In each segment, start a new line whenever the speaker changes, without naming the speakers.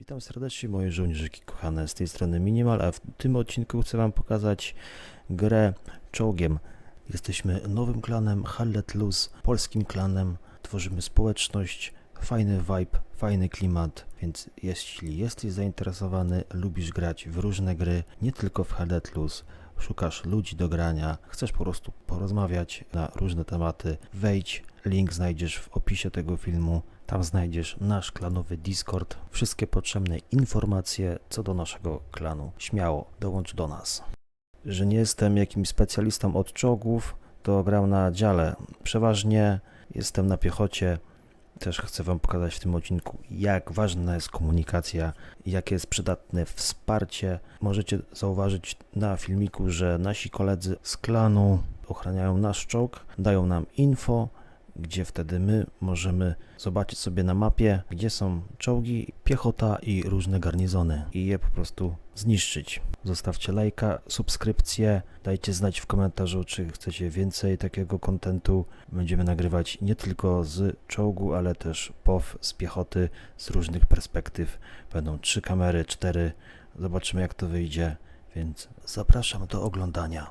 Witam serdecznie moje żołnierzyki kochane, z tej strony Minimal, a w tym odcinku chcę wam pokazać grę czołgiem. Jesteśmy nowym klanem, Hallet Luz, polskim klanem, tworzymy społeczność, fajny vibe, fajny klimat, więc jeśli jesteś zainteresowany, lubisz grać w różne gry, nie tylko w Hallet Luz, szukasz ludzi do grania, chcesz po prostu porozmawiać na różne tematy, wejdź, link znajdziesz w opisie tego filmu. Tam znajdziesz nasz klanowy Discord, wszystkie potrzebne informacje co do naszego klanu. Śmiało, dołącz do nas. Że nie jestem jakimś specjalistą od czołgów, to gram na dziale. Przeważnie jestem na piechocie. Też chcę wam pokazać w tym odcinku, jak ważna jest komunikacja, jakie jest przydatne wsparcie. Możecie zauważyć na filmiku, że nasi koledzy z klanu ochraniają nasz czołg, dają nam info, gdzie wtedy my możemy zobaczyć sobie na mapie, gdzie są czołgi, piechota i różne garnizony i je po prostu zniszczyć. Zostawcie lajka, subskrypcję, dajcie znać w komentarzu, czy chcecie więcej takiego kontentu. Będziemy nagrywać nie tylko z czołgu, ale też POW z piechoty, z różnych perspektyw. Będą 3 kamery, 4, zobaczymy jak to wyjdzie, więc zapraszam do oglądania.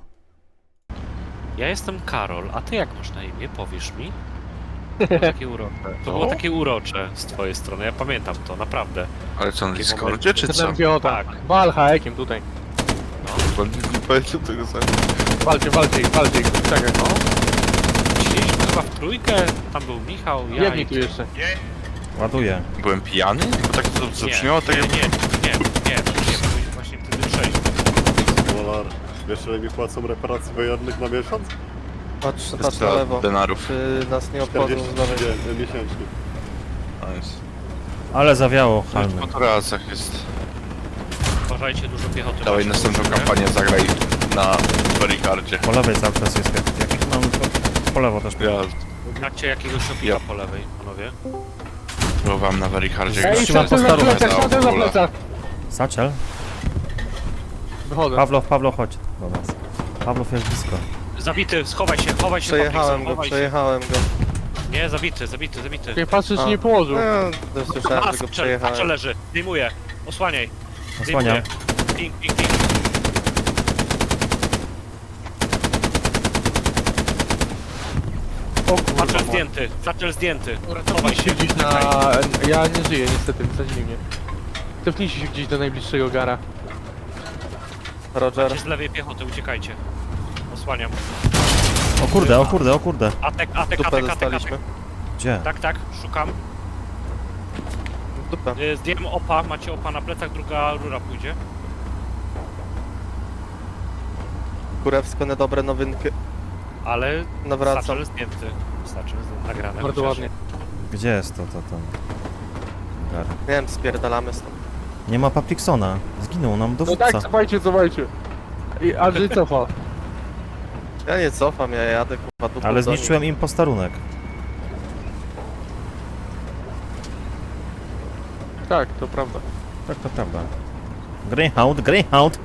Ja jestem Karol, a ty jak masz na imię? Powiesz mi? To było takie urocze. To było takie urocze z twojej strony, ja pamiętam to, naprawdę.
Ale co, na
Takie
Discordzie
momenty.
czy co?
Tak.
Wal haekiem tutaj.
Bo nie powiedział tego sam.
Walcie ich, czekaj.
No. Siedzieliśmy chyba w trójkę, tam był Michał, ja
Jedni
i...
tu jeszcze.
Ładuję.
Byłem pijany? Bo tak to zabrzmiało, tak jak...
Nie, byliśmy właśnie wtedy trzeźwi.
Dolar. Wiesz, ile mi płacą reparacji wojennych na miesiąc?
Patrz na
400
lewo,
denarów.
czy nas nie obchodzą
40
z lewej.
miesięcznie.
Nice.
Ale zawiało,
W
halmy.
motoracach jest.
Uważajcie, dużo piechoty.
Dawaj
macie,
następną
nie?
kampanię zagraj na Barikardzie.
Po lewej cały czas jest jak mam po lewo też.
Ja
Macie jakiegoś opika
Ja.
po lewej, panowie?
próbowałem na Barikardzie.
Ej,
Zniszczyła
szedłem na
posterunek.
plecach, szedłem na plecach.
Satchel?
Wychodzę.
Pawlow, chodź do nas. Pawlow jest blisko.
Zabity, schowaj się,
Przejechałem
Patrick,
go, przejechałem go.
Nie, zabity.
Nie patrzę, czy
A.
nie położył.
No, słyszałem, że go
Patrz,
przejechałem.
leży, zdejmuję, osłaniaj.
Osłaniam.
Ping.
O kurwa.
Satchel zdjęty.
Cofnijcie się gdzieś na... Ja nie żyję niestety, wsadzili mnie. Cofnijcie się gdzieś do najbliższego gara.
Roger.
Macie z lewej piechoty, uciekajcie. Osłaniam.
O kurde.
Atek.
Dupę dostaliśmy.
Gdzie?
Tak, szukam.
Dupę.
Zdjęłem opa, macie opa na plecach, druga rura pójdzie.
Kurewsko, niedobre nowinki.
Ale
Nawracam.
Satchel zdjęty. Nagrane.
Bardzo
chociaż.
ładnie.
Gdzie jest to? Gar.
Nie wiem, spierdalamy stąd.
Nie ma Patricksona. Zginął nam
No
dowódca.
tak, cofajcie. I Andrzej cofa.
Ja nie cofam, ja jadę kurwa dupą
Ale
do nich.
zniszczyłem im posterunek.
Tak, to prawda.
Tak, to prawda. Greyhound.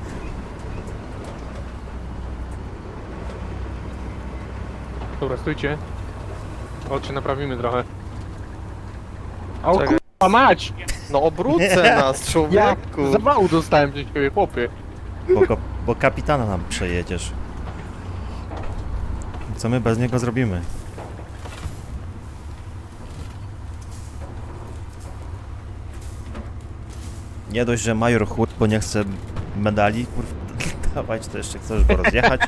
Dobra, stójcie. Chodźcie, naprawimy trochę. O
Czekaj.
kurwa mać!
No obrócę nas,
Ja
człowieku.
zawału dostałem przez ciebie, chłopie.
Bo kapitana nam przejedziesz. Co my bez niego zrobimy? Nie dość, że major chłód, bo nie chce medali, kurwa, dawać, to jeszcze chcesz go rozjechać.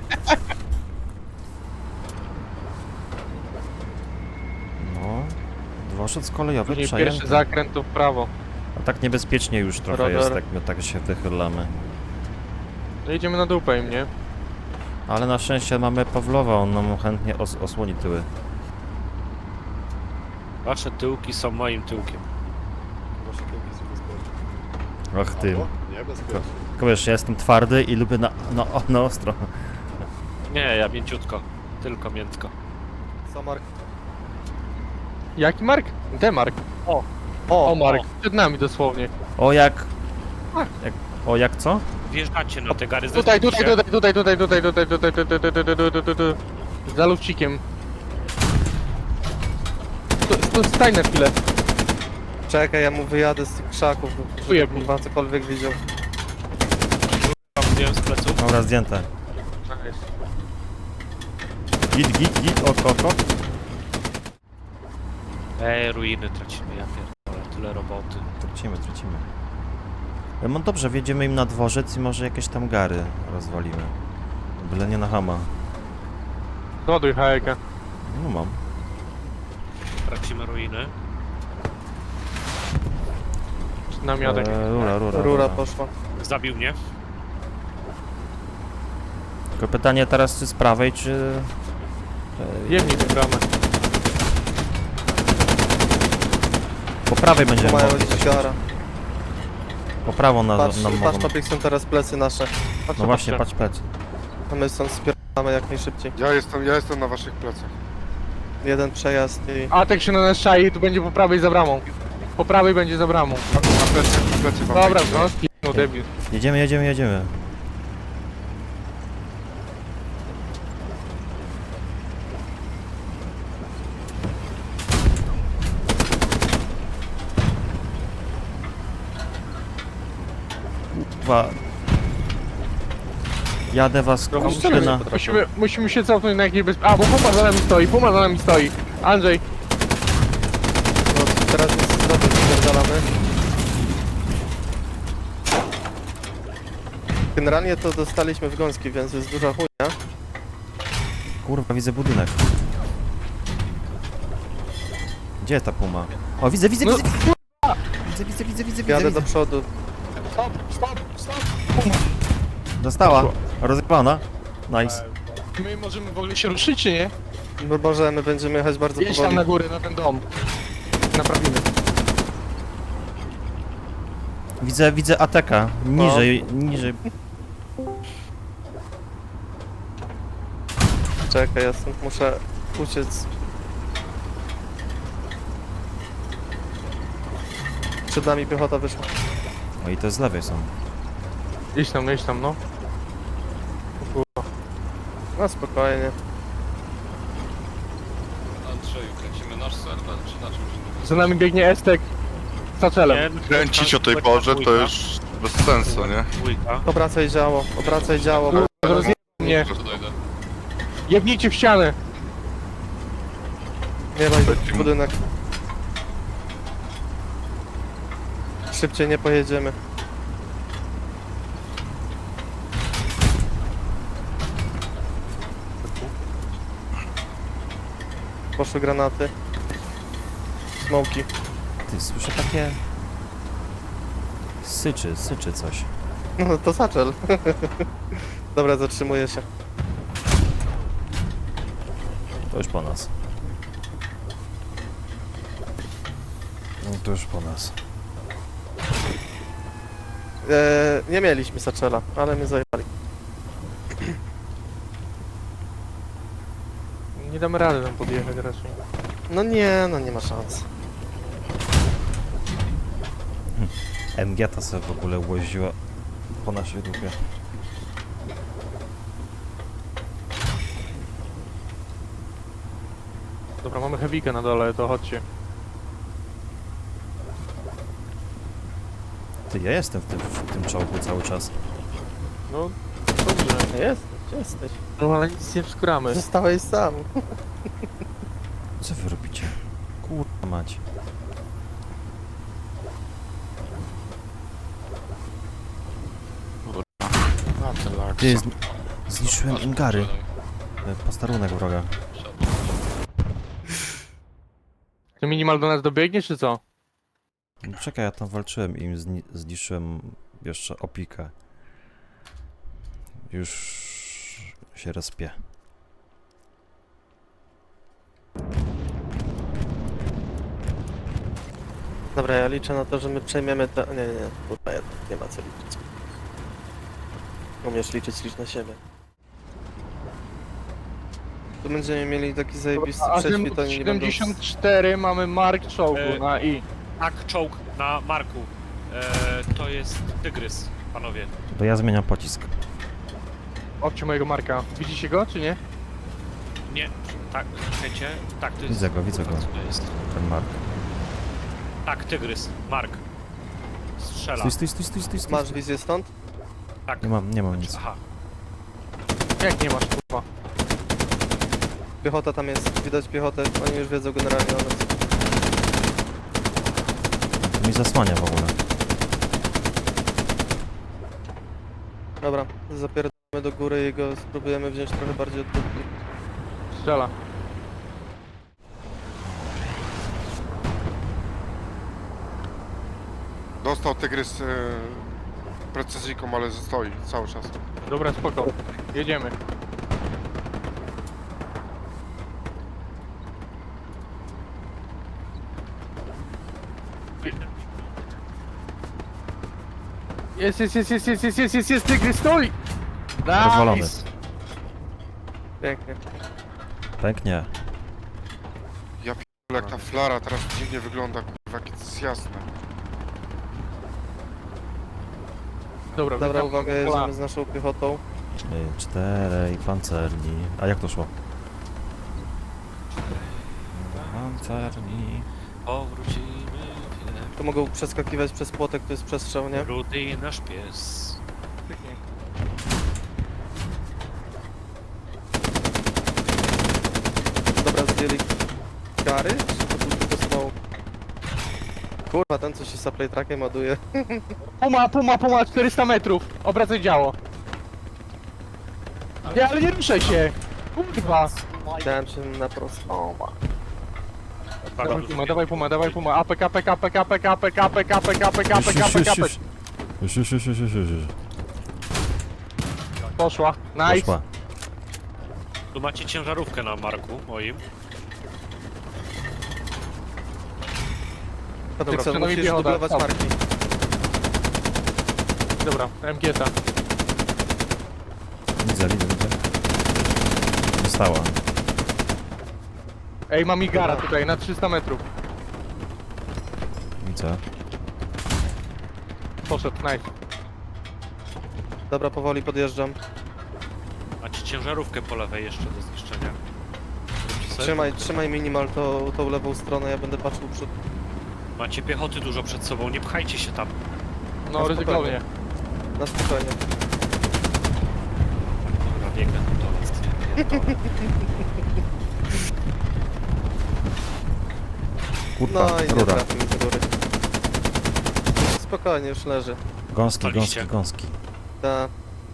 No, dworzec kolejowy
Później
przejęty.
pierwszy zakręt to w prawo.
A tak niebezpiecznie już trochę
Rower.
jest, jak my tak się wychylamy.
No jedziemy na dupę im, nie?
Ale na szczęście mamy Pawlowa, on nam chętnie osłoni tyły.
Wasze tyłki są moim tyłkiem.
Wasze tyłki są bezpieczne.
Och ty.
Albo niebezpieczne.
Tylko wiesz, ja jestem twardy i lubię na ostro.
Nie, ja mięciutko. Tylko miętko.
Co, Mark?
Jaki Mark? Demark. O, Mark. Przed nami dosłownie.
O jak co?
Wjeżdżacie na te gary.
Tutaj.
zdecyduj się.
Za lufcikiem. Stań na chwilę.
Czekaj, ja mu wyjadę z tych krzaków, żeby
Ujeb mi.
kurwa cokolwiek widział.
Wiem z pleców.
Dobra, zdjęte. Git, oko.
Ruiny tracimy, ja pierdolę, tyle roboty.
Tracimy. No dobrze, wjedziemy im na dworzec i może jakieś tam gary rozwalimy. Byle nie na hama.
Ładuj hajeka.
No mam.
Tracimy ruiny.
Namiotek.
Rura poszła.
Zabił mnie.
Tylko pytanie teraz, czy z prawej, czy...
Jemnij tę bramę.
Po prawej będziemy
Tu mają
mogli.
liściara.
Po prawo nam
Patrz,
mogą.
Papik, są teraz plecy nasze.
No właśnie, patrz plec.
A my stąd spierdamy jak najszybciej.
Ja jestem na waszych plecach.
Jeden przejazd i...
Atek się na nas czai, tu będzie po prawej za bramą. Po prawej będzie za bramą.
Na plecy wam
Dobra,
wejdzie.
no, no debil.
Jedziemy. Kurwa. Jadę was na...
Musimy się cofnąć na jakieś A, bo Puma za nami stoi. Andrzej,
No teraz nic zrobić, spierdalamy. Generalnie to dostaliśmy w gąski, więc jest duża chujnia.
Kurwa, widzę budynek. Gdzie jest ta puma? O, widzę.
No,
Widzę.
Jadę do przodu.
stop.
Dostała. Rozjebana. Nice.
My możemy w ogóle się ruszyć, czy nie?
Bo możemy, będziemy jechać bardzo
Jedź tam
powoli.
na górę, na ten dom. Naprawimy.
Widzę ateka. Niżej.
Czekaj, ja stąd muszę uciec. Przed nami piechota wyszła.
O, i to z lewej są.
Idź tam, no.
No spokojnie.
Andrzeju, kręcimy nasz serwer, czy na czymś?
Za nami biegnie Estek z Tacelem.
Kręcić o tej porze to już bez sensu, nie?
Dwójka.
Obracaj działo.
Rozjebał mnie.
Dojdę.
Jebnijcie w ścianę.
Nie ma budynek. Szybciej nie pojedziemy. Poszły granaty. Smoki.
Ty, słyszę takie... Syczy coś.
No to zaczel. Dobra, zatrzymuję się.
To już po nas. No to już po nas.
Nie mieliśmy saczela, ale mnie zajebali.
Nie damy rady tam podjechać raczej.
No nie ma szans.
MG ta sobie w ogóle łoziła po naszej dupie.
Dobra, mamy heavykę na dole, to chodźcie.
Ty, ja jestem w tym czołgu cały czas.
No, dobrze.
Jesteś.
No ale nic nie wskuramy.
Zostałeś sam.
Co wy robicie? Kurwa mać. Ty, zniszczyłem im gary. Posterunek wroga.
Czy minimal do nas dobiegnie, czy co?
No, czekaj, ja tam walczyłem i im zniszczyłem jeszcze opikę. Już się rozpię.
Dobra, ja liczę na to, że my przejmiemy te... Nie, kurwa, nie ma co liczyć. Umiesz liczyć, licz na siebie. Tu będziemy mieli taki zajebisty
A
prześwit, oni nie będą...
74 mamy mark czołgu na I.
Tak, czołg na Marku. To jest Tygrys, panowie.
To ja zmieniam pocisk.
Obcie mojego marka. Widzicie go, czy nie?
Nie, tak, czekajcie. Tak, to jest...
Widzę go.
Co to jest?
Ten mark.
Tak, tygrys. Mark. Strzela.
Stój.
Masz wizję stąd?
Tak.
Nie mam nic.
Aha.
Jak nie masz, kurwa?
Piechota tam jest, widać piechotę. Oni już wiedzą generalnie o nas.
To mi zasłania w ogóle.
Dobra, zapierdolamy do góry i go spróbujemy wziąć trochę bardziej od dupki.
Strzela.
Dostał tygrys precyzyjką, ale stoi cały czas.
Dobra, spoko. Jedziemy. Jest, tygrys, stój!
Rozwalony.
Nice!
Pięknie.
Pęknie.
Jak ta flara teraz dziwnie wygląda, kurwa, jakie to jest jasne.
Dobra,
witam,
uwaga,
kola.
jedziemy z naszą piechotą.
4 pancerni. A jak to szło? Pancerni.
Powrócimy.
To mogą przeskakiwać przez płotek, to jest przestrzał, nie?
Rudy nasz pies.
Dobra, zdjęli kary? Czy to był tylko smoke? Kurwa, ten co się supply trackiem ładuje.
Puma, 400 metrów. Obracaj działo. Nie, ale nie ruszaj się. Kurwa.
Dałem się na prosto.
Dawaj puma. APK.
Już.
Poszła. Nice.
Poszła.
Tu macie ciężarówkę na Marku moim.
Patrycja,
przynajmniej
musisz
piechota,
dublować
stop.
marki.
Dobra, MG-ta.
Widzę. Została.
Ej, mam Igara tutaj na 300 metrów.
Widzę.
Poszedł, nice.
Dobra, powoli podjeżdżam.
Macie ciężarówkę po lewej jeszcze do zniszczenia. Róbcie sobie-
Trzymaj minimal tą lewą stronę, ja będę patrzył przód.
Macie piechoty dużo przed sobą, nie pchajcie się tam.
No,
Na
ryzykownie.
Na spokojnie.
Dobra, biegnę do was. Pierdolę.
Kurwa,
No i nie
rura.
trafił z góry. Spokojnie, już leży.
Staliście.
Gąski.
Ta,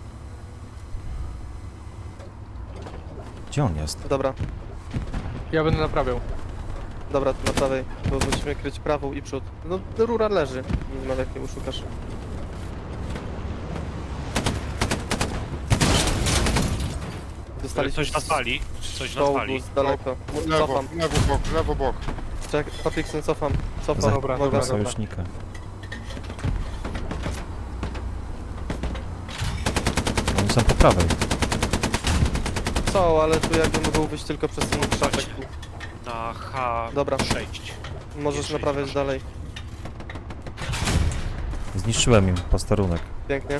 Gdzie on jest?
dobra,
Ja będę naprawiał.
dobra, tu na prawej, bo musimy kryć prawą i przód. No, rura leży. Minimal jak nie uszukasz. Dostaliśmy
Coś na sali. Coś na
czołgu
sali.
z daleko.
Lewo,
Cofam.
lewo bok.
Czekaj, Patrykson, cofam.
Za
dobra,
uwaga.
dobra.
sojusznika. Oni są po prawej.
Co, ale tu jakby mogą wyjść tylko przez ten krzaczek.
Na H6.
Dobra. Możesz
Jeszcze
naprawiać
jest
dalej.
Zniszczyłem im posterunek.
Pięknie.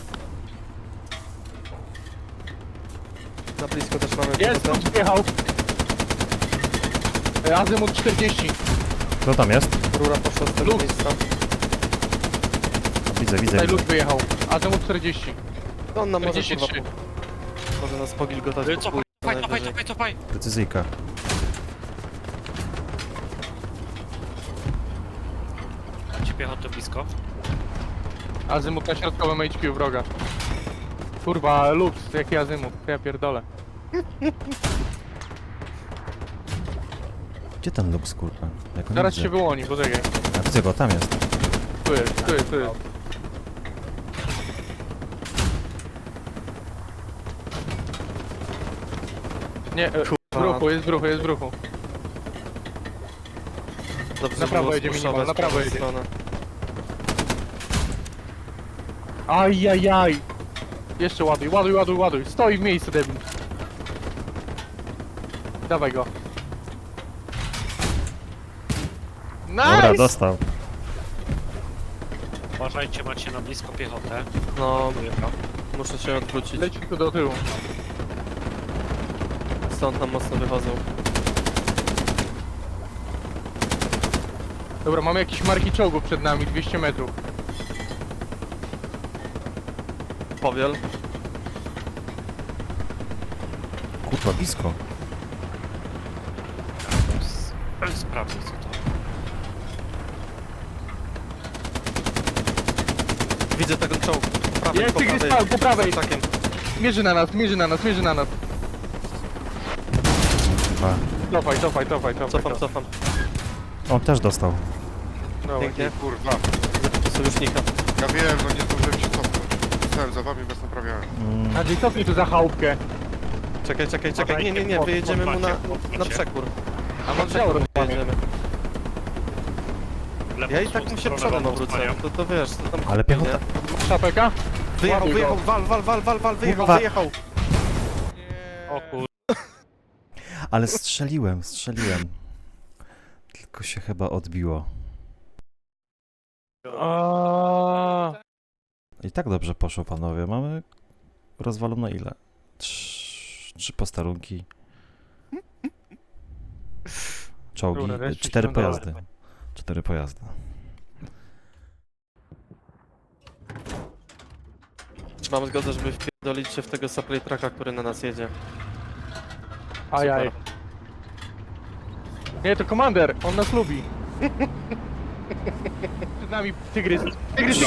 Na blisko też mamy
Jest,
piechotę.
wjechał. Azymut 40.
Kto tam jest?
Rura poszła z tego
Lux.
miejsca.
Widzę.
Tutaj lód wyjechał. Azymut 40.
To on nam może
43.
kurwa, może nas pogilgotać po
Cofaj,
chuj, najwyżej.
cofaj.
Precyzyjka.
Macie piechotę blisko?
Azymut na środkowym HQ wroga. Kurwa, Lux, jaki azymut? Ja pierdolę.
Gdzie ten Lux, kurwa? Jak go nie
Zaraz
widzę.
się wyłoni, poczekaj.
A widzę go, tam jest.
Tu jest. Nie, jest w ruchu.
Dobrze,
Na prawo
było
jedzie minimal,
spuszować
na prawo
prawą
jedzie.
stronę.
Ajajaj! Jeszcze ładuj. Stoi w miejscu, debil. Dawaj go.
Dobra,
Nice!
dostał.
Uważajcie, macie na blisko piechotę.
No,
Dojechał.
muszę się odwrócić.
Leci tu do tyłu.
Stąd nam mocno wychodzą.
Dobra, mamy jakieś marki czołgów przed nami, 200 metrów.
Powiel.
Kurwa, blisko.
Sprawdzę co to.
Widzę ten czołg. Po prawej,
Jest
po
tygrys
prawej.
po prawej!
Za ptakiem.
Mierzy na nas, mierzy na nas, mierzy na nas.
Chyba.
Cofaj.
Cofam.
On też dostał.
Dobra.
Pięknie.
Kurwa.
Sojusznika.
Ja wiem, no nie zdążyłem się cofnąć. Stałem za wami, bez naprawiałem.
Andrzej, cofnij tu za chałupkę.
Czekaj.
Uważajcie,
Nie, wyjedziemy mu na
podmacie.
przekór.
A
Na
mam
przekór
działo
wyjedziemy.
Lewą
Ja i tak mu się
stronę
przodem
wam
obrócę.
osłaniam.
To wiesz, to tam...
Ale piechota.
nie?
szapeka?
Wyjechał,
Ładuj go.
wal,
Kurwa.
wyjechał.
O kur...
Ale strzeliłem. Tylko się chyba odbiło. I tak dobrze poszło, panowie. Mamy rozwalone ile? 3 posterunki. Czołgi.
Dobra, reszcie
4
się
pojazdy. 4 pojazdy.
Mam zgodę, żeby wpierdolić się w tego supply trucka, który na nas jedzie.
Ajaj. Nie, to komander, on nas lubi. Przed nami tygrys. Tygrys.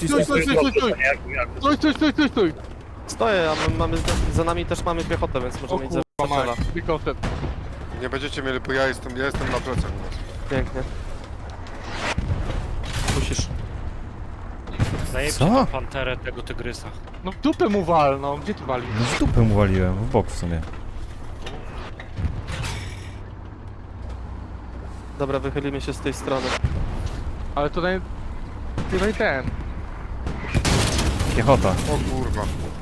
Stój.
Stoję, a mamy za nami też mamy piechotę, więc
O
możemy mieć
kurwa
zaczela.
mać, wykoszet.
Nie będziecie mieli, bo ja jestem na plecach u was.
Pięknie. Musisz.
Zajebcie
Co?
tą panterę tego tygrysa.
No w dupę mu wal, no, gdzie ty wali?
No w dupę mu waliłem, w bok w sumie.
Dobra, wychylimy się z tej strony.
Ale tutaj ten.
Piechota.
O kurwa.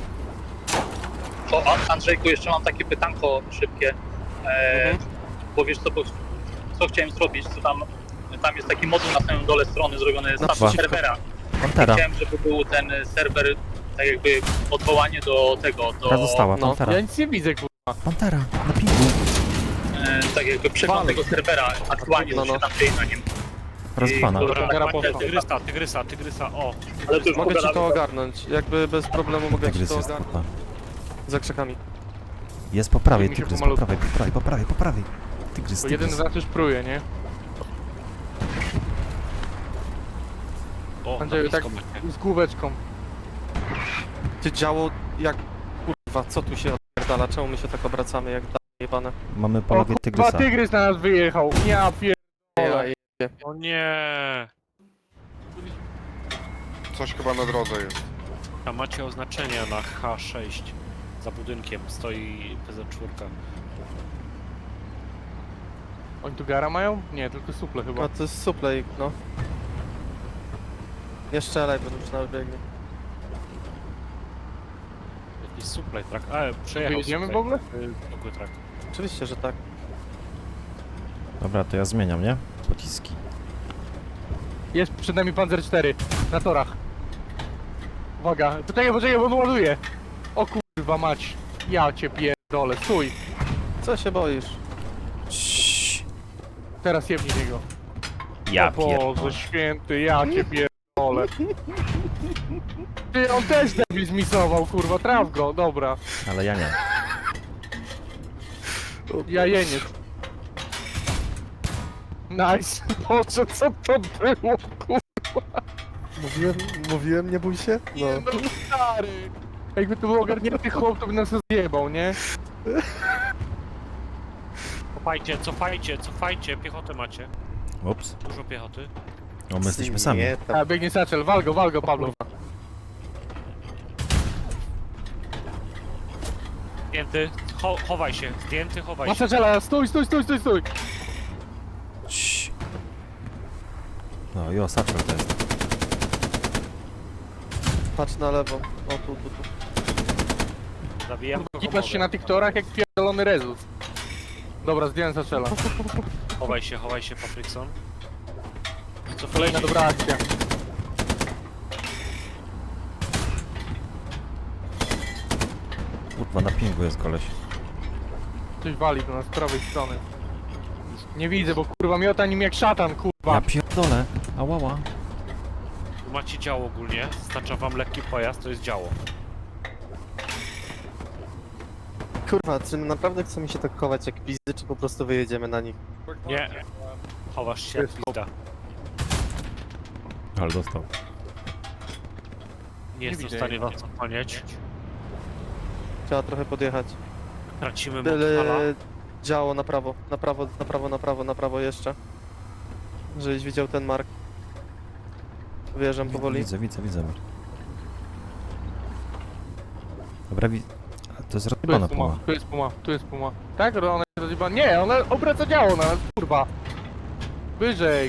To Andrzejku, jeszcze mam takie pytanko szybkie. Bo wiesz co chciałem zrobić, co tam jest taki moduł na samym dole strony zrobiony z
Naprzeciwko.
serwera.
Pantera.
Chciałem, żeby był ten serwer, tak jakby odwołanie do tego,
Która została?
no,
Pantera.
Ja nic nie widzę, kurwa.
Pantera, na pingu.
tak jakby przegląd
Fal.
tego serwera, aktualnie
No,
co się
no.
tam dzieje na nim.
Rozwana.
Dobra,
Dobra,
poszła.
tygrysa, o.
Ale to już
Mogę ci
pogadamy.
to ogarnąć. Jakby bez problemu mogę ci
Tygrys
to
jest
ogarnąć.
spoko.
Za krzakami.
Jest po prawej,
Mi się
tygrys,
pomalutku.
po prawej. Tygrys,
Bo jeden z nas już pruje, nie?
O,
Andrzeju,
na
tak
blisko macie.
z główeczką.
Ty działo jak... Kurwa, co tu się odpierdala? Czemu my się tak obracamy jak jebane?
Mamy po
O
lewej
kurwa,
tygrysa.
tygrys na nas wyjechał. Ja pierdolę.
O nie.
Coś chyba na drodze jest.
A macie oznaczenia na H6. Za budynkiem stoi PZ4.
Oni tu gara mają? Nie, tylko suple chyba.
No to jest suplej, no. Nie strzelaj, bo już nawet biegnie.
Jakiś supply track. Przejechał
Wyjedziemy
supply-
w ogóle?
Zwykły track.
Oczywiście, że tak.
Dobra, to ja zmieniam, nie? Pociski.
Jest przed nami Panzer 4 na torach. Uwaga, poczekaj, bo on ładuje. O kurwa mać. Ja cię pierdolę, stój.
Co się boisz?
Ciii.
Teraz jebnij niego.
Ja
O Boże
pierdolę.
święty, ja cię pierdolę. Ty, on też debil zmisował, kurwa, traf go, dobra.
Ale ja nie.
Jajeniec. Nice. Boże, co to było, kurwa?
Mówiłem, nie bój się?
Nie no, stary. Jakby to był ogarnięty chłop, to by nas zjebał, nie?
Cofajcie, piechotę macie.
Ups.
Dużo piechoty.
O, my jesteśmy sami.
A, biegnie Satchel, wal go, Pablo.
Zdjęty, chowaj się, zdjęty, chowaj
Ma
się.
Satchela, stój.
Ciii. No, jo, Satchel to jest.
Patrz na lewo. O, tu.
Zabijam go,
Kipasz się na tych torach jak pierdolony rezus. Dobra, zdjąłem Satchela.
Chowaj się, Patrykson. Co
Kolejna dobra akcja.
Kurwa, na pingu jest koleś.
Coś wali do nas z prawej strony. Nie widzę, bo kurwa miota nim jak szatan, kurwa.
Ja pier... pierdolę. Ałała.
Tu macie działo ogólnie, stacza wam lekki pojazd, to jest działo.
Kurwa, czy naprawdę chcemy się tak chować jak pizdy, czy po prostu wyjedziemy na nich?
Nie, chowasz się jak pizda.
Ale dostał.
Nie jestem w
widzę
stanie
jej.
was ochroniać.
Trzeba trochę podjechać.
Tracimy
Tyle
Montfala.
działo na prawo, na prawo, na prawo, na prawo, na prawo jeszcze. Żebyś widział ten mark. Wyjeżdżam powoli.
Widzę. Dobra, a to jest
Tu
rozjebana
jest puma,
puma.
tu jest puma, tu jest puma. Tak, ona jest rozjebana. Nie, ona obraca działo na nas, kurwa. Wyżej.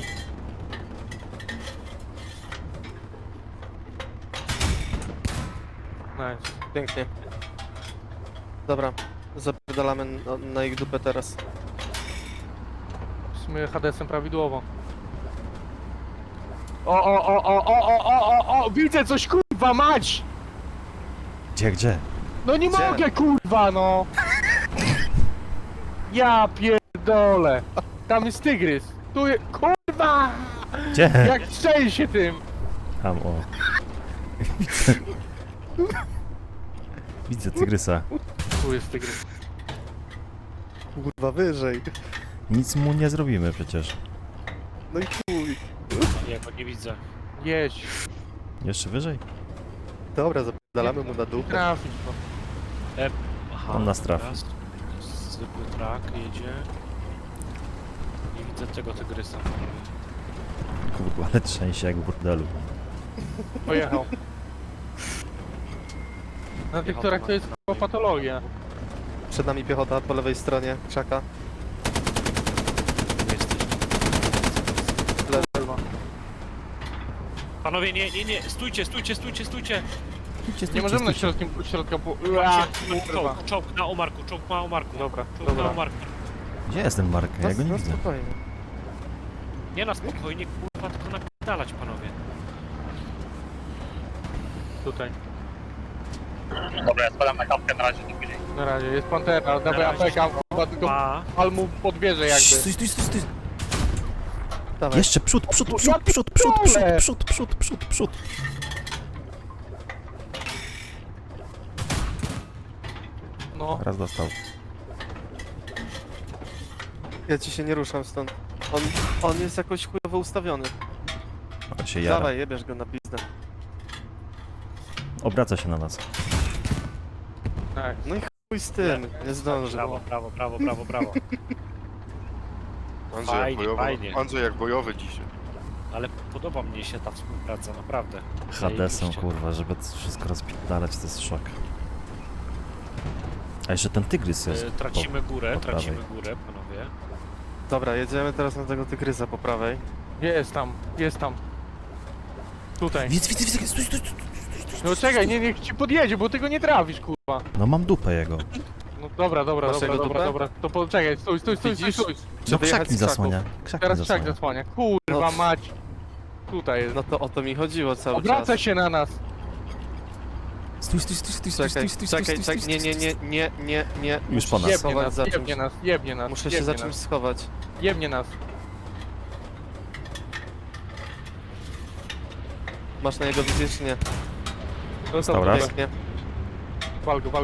Nice.
Pięknie. Dobra, zapierdalamy na ich dupę teraz.
W sumie HDS-em prawidłowo. O, widzę coś, kurwa, mać!
Gdzie?
No nie
Gdzie?
mogę, kurwa, no! Ja pierdolę. Tam jest tygrys. Tu jest, kurwa!
Gdzie?
Jak strzeli się tym!
Tam, o. Widzę tygrysa.
Tu jest tygrys.
Kurwa, wyżej.
Nic mu nie zrobimy przecież.
No i chuj.
Ja go nie widzę.
Jedź.
Jeszcze wyżej?
Dobra, zapierdalamy mu na dupę.
Trafić go.
Aha,
On nas trafi.
teraz zwykły trak jedzie. Nie widzę tego tygrysa.
Kurwa, ale trzęsie jak w burdelu.
Pojechał. Na tych torach to jest chyba patologia.
Przed nami piechota po lewej stronie krzaka.
Nie jesteś.
Kurwa.
Panowie, nie, stójcie!
Nie możemy na środka po...
Czołg na omarku, czołg na omarku.
Dobra,
Czołg na
dobra.
omarku.
Gdzie jest ten Mark? Ja go nie
No
widzę.
spokojnie.
Nie na spokojnie, kurwa, tylko napierdalać, panowie.
Tutaj.
Dobra, ja spadam na kapkę, na razie nie później.
Na razie, jest Pantera, dawaj
razie.
APK, chyba tylko
Pa.
pal mu pod wieżę jakby.
Stój.
Dawaj.
Jeszcze przód.
Ja pierdolę!
Przód.
No,
Raz dostał.
Ja ci się nie ruszam stąd. On jest jakoś chujowo ustawiony.
Ale się jara.
Dawaj, jebiesz go na pizdę.
Obraca się na nas.
tak.
No i chuj z tym, nie zdąży.
Brawo. Fajnie.
Andrzej jak bojowy dzisiaj.
Ale podoba mnie się ta współpraca, naprawdę.
HD są,
Zajebiście.
kurwa, żeby to wszystko rozpierdalać, to jest szok. A jeszcze ten tygrys jest.
Tracimy górę,
po prawej.
panowie.
Dobra, jedziemy teraz na tego tygrysa po prawej.
Jest tam. Tutaj.
Widzę, stój.
No czekaj, niech ci podjedzie, bo ty go nie trafisz, kurwa.
No mam dupę jego.
No dobra.
Masz jego dupę?
To poczekaj, stój.
Widzisz?
No
wyjechać
krzak mi
z krzaków.
zasłania. Krzak mi
Teraz krzak
zasłania.
zasłania. Kurwa mać. Tutaj jest.
No to o to mi chodziło cały
Obraca
czas.
się na nas.
Stój.
Czekaj, nie.
Już po nas.
Jebnie
Schować
nas,
za czymś.
jebnie nas.
Muszę się za czymś schować.
Jebnie nas.
Masz na jego wizję czy nie?
Stał raz.
Pięknie.
Wal go.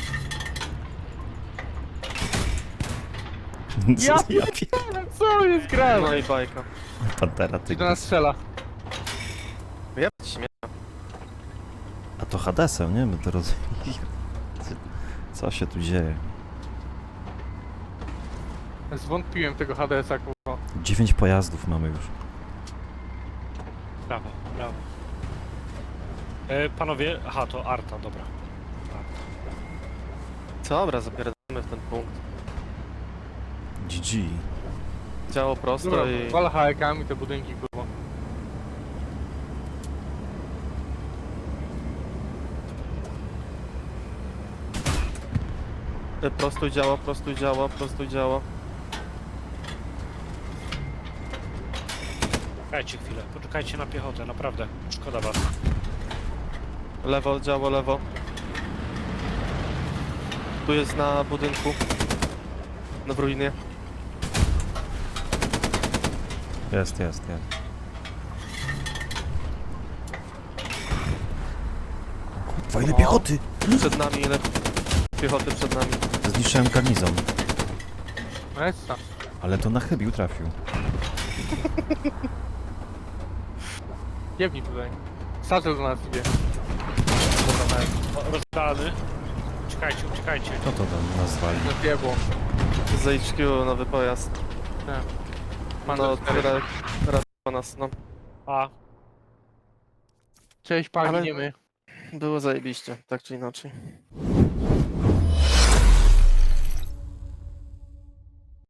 Ja
Ja Co jest
No
grane?
i bajka.
Pantera,
Czy do nas
tygrys.
strzela?
Ja śmieję.
A to Hadesem, nie? My to rozumiem. Co się tu dzieje?
Zwątpiłem tego HDS-a, kurwa.
9 pojazdów mamy już.
Brawo. Panowie, aha, to Arta, dobra.
Dobra, zapierdamy w ten punkt.
GG.
Działo prosto
Dobra,
i...
wal HEK-ami te budynki, kurwa.
Prostuj działo.
Czekajcie chwilę, poczekajcie na piechotę, naprawdę. Szkoda was.
Lewo, działo, lewo. Tu jest na budynku. Na w ruinie.
Jest. Kurwa, ile
O.
piechoty!
Przed nami, ile piechoty przed nami.
Zniszczyłem garnizon,
Essa.
ale to na chybił trafił.
Jebnij tutaj. Satchel do nas idzie. Dobra, nice.
Rozdalany. Uciekajcie, uciekajcie.
Kto to tam nas zwali?
Zjebło.
Z HQ nowy pojazd.
Panzer
No,
4.
ratuje nas, no.
A,
Cześć, panie,
Ale-
nie my.
Było zajebiście, tak czy inaczej.